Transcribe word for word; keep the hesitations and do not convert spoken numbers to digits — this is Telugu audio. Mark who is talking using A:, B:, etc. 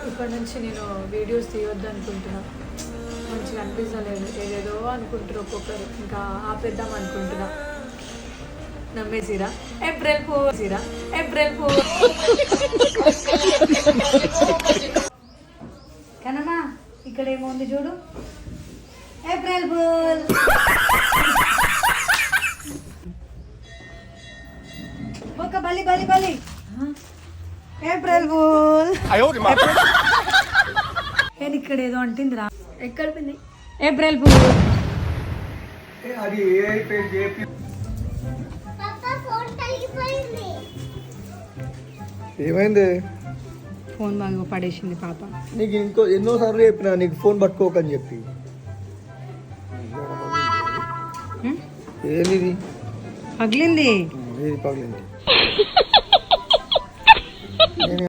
A: ఇప్పటి నుంచి నేను వీడియోస్ తీయొద్దు అనుకుంటున్నా. మంచిగా అనిపించలేదు, ఏదేదో అనుకుంటారు ఒక్కొక్కరు. ఇంకా ఆపేద్దాం అనుకుంటున్నా. నమ్మేసిరా ఏప్రిల్ ఫూల్ ఏప్రిల్ ఫూల్. కనమా ఇక్కడ ఏముంది చూడు, ఏప్రిల్ ఫూల్. ఒక బలి బలి బలి ఏప్రిల్ ఫూల్. నేను ఇక్కడ ఏదో అంటుందిరా. ఎక్కడ పోయింది ఏప్రిల్ ఫూల్?
B: ఏమైంది?
A: ఫోన్ బాగా పడేసింది పాప.
B: నీకు ఇంకో ఎన్నోసార్లు చెప్పినా నీకు ఫోన్ పట్టుకోకని చెప్పి. ఏది
A: పగిలింది?
B: ఏది పగిలింది?